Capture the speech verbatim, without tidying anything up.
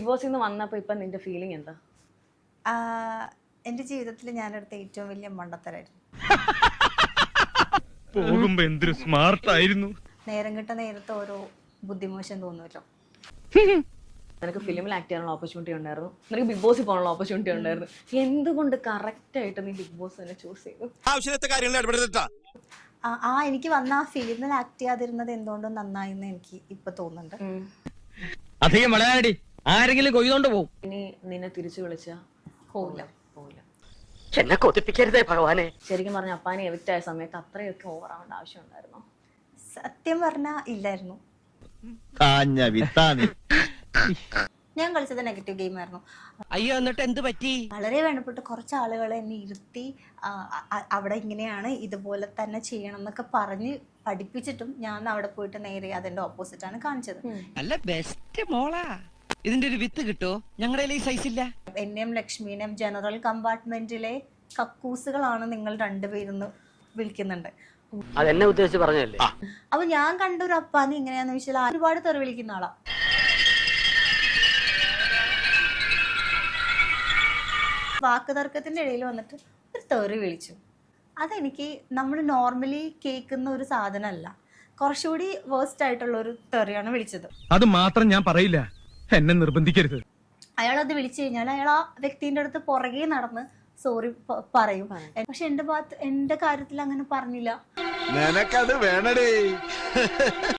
ബോസിൽ നിന്ന് വന്നപ്പോ ഇപ്പൊ നിന്റെ ഫീലിംഗ് എന്താ? എന്റെ ജീവിതത്തിൽ ഞാനെടുത്ത ഏറ്റവും വലിയ മണ്ടത്തരായിരുന്നു. പോകുമ്പോ എന്തൊരു സ്മാർട്ട് ആയിരുന്നു. നേരം കിട്ട നേരത്തെ ഓരോ ബുദ്ധിമോശം തോന്നുമല്ലോ. നിനക്ക് ഫിലിമിൽ ആക്ട് ചെയ്യാനുള്ള ഓപ്പർച്യൂണിറ്റി ഉണ്ടായിരുന്നു, നിനക്ക് ബിഗ് ബോസിൽ പോകാനുള്ള ഓപ്പർച്യൂണിറ്റി ഉണ്ടായിരുന്നു. എന്തുകൊണ്ട് കറക്റ്റ് ആയിട്ട് നീ ബിഗ് ബോസ് തന്നെ ചൂസ് ചെയ്തു? ആ എനിക്ക് വന്ന ആ ഫിലിമിൽ ആക്ട് ചെയ്യാതിരുന്നത് എന്തുകൊണ്ടും നന്നായിന്ന് എനിക്ക് ഇപ്പൊ തോന്നുന്നുണ്ട്. അധികം വളയാടി ആരെങ്കിലും കൊയ്തോണ്ട് പോകും. ഇനി നിന്നെ തിരിച്ചു വിളിച്ച പോവില്ല പോവില്ല. എന്നെ കൊതിപ്പിക്കരുതേ ഭഗവാനെ. ശരിക്കും പറഞ്ഞ അപ്പാനെ എവിക്റ്റ് ആയ സമയത്ത് അത്രയൊക്കെ ഓവർ ആവേണ്ട ആവശ്യം ഉണ്ടായിരുന്നോ? സത്യം പറഞ്ഞാ ഇല്ലായിരുന്നു. ഞാൻ കളിച്ചത് നെഗറ്റീവ് ഗെയിം ആയിരുന്നു. അയ്യോ എന്നിട്ട് എന്ത് പറ്റി? വളരെ വേണ്ടപ്പെട്ട കുറച്ച് ആളുകളെ എന്നെ ഇരുത്തി അവിടെ ഇങ്ങനെയാണ് ഇതുപോലെ തന്നെ ചെയ്യണം എന്നൊക്കെ പറഞ്ഞ് പഠിപ്പിച്ചിട്ടും ഞാൻ അവിടെ പോയിട്ട് നേരെ അതിന്റെ ഓപ്പോസിറ്റ് ആണ് കാണിച്ചത്. അല്ല ബെസ്റ്റ് മോളാ. ഇതിന്റെ ഒരു വിത്ത് കിട്ടോ? ഞങ്ങളുടെ ഈ സൈസ് ഇല്ല. എന്നെയും ലക്ഷ്മീനെയും ജനറൽ കമ്പാർട്ട്മെന്റിലെ കക്കൂസുകളാണ് നിങ്ങൾ രണ്ടുപേരെന്ന് വിളിക്കുന്നുണ്ട്. അതെന്നെ ഉദ്ദേശിച്ച് പറഞ്ഞല്ലേ? അപ്പൊ ഞാൻ കണ്ട ഒരു അപ്പാനെ എങ്ങനെയാന്ന് വെച്ചാൽ ഒരുപാട് തെറി വിളിക്കുന്ന ആളാ. വാക്ക് തർക്കത്തിന്റെ ഇടയിൽ വന്നിട്ട് ഒരു തെറി വിളിച്ചു. അതെനിക്ക് നമ്മൾ നോർമലി കേൾക്കുന്ന ഒരു സാധനമല്ല, കുറച്ചുകൂടി വേഴ്സ്റ്റ് ആയിട്ടുള്ള ഒരു തെറിയാണ് വിളിച്ചത്. അത് മാത്രം ഞാൻ പറയില്ല, എന്നെ നിർബന്ധിക്കരുത്. അയാളത് വിളിച്ചു കഴിഞ്ഞാൽ അയാൾ ആ വ്യക്തിന്റെ അടുത്ത് പുറകെ നടന്ന് സോറി പറയും. പക്ഷെ എന്റെ ഭാഗത്ത് എന്റെ കാര്യത്തിൽ അങ്ങനെ പറഞ്ഞില്ല. നിനക്കത് വേണടേ.